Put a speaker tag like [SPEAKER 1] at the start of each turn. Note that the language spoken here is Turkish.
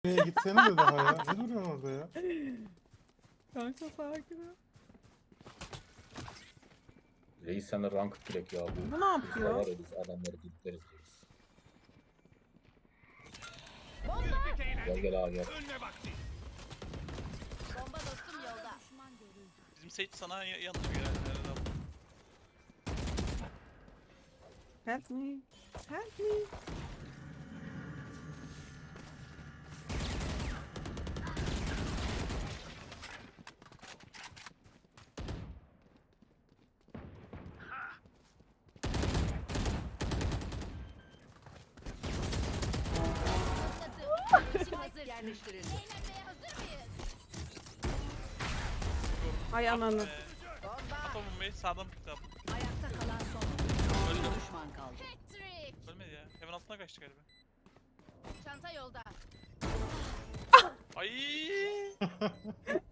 [SPEAKER 1] Gitsene de daha ya. Ne duruyorsun orada ya?
[SPEAKER 2] Kanka sakin ol.
[SPEAKER 3] Reis sen de rank direkt ya bu.
[SPEAKER 2] Bu ne yapıyor?
[SPEAKER 3] Var ya biz adamları gideriz reis. Gel gel abi gel.
[SPEAKER 4] Bomba dostum yolda.
[SPEAKER 5] Bizim Sage sana yanlış bir yani.
[SPEAKER 2] Help me. Help me.
[SPEAKER 4] Hazır yerleştirildi. Eğlenmeye hazır mıyız?
[SPEAKER 2] Ay ananı.
[SPEAKER 5] Atamım bey sağdan pick up.
[SPEAKER 4] Ayakta kalan son.
[SPEAKER 5] Öldü.
[SPEAKER 4] Düşman kaldı. Patrick.
[SPEAKER 5] Ölmedi ya. Hemen altına kaçtı galiba.
[SPEAKER 4] Çanta yolda.
[SPEAKER 5] Ay.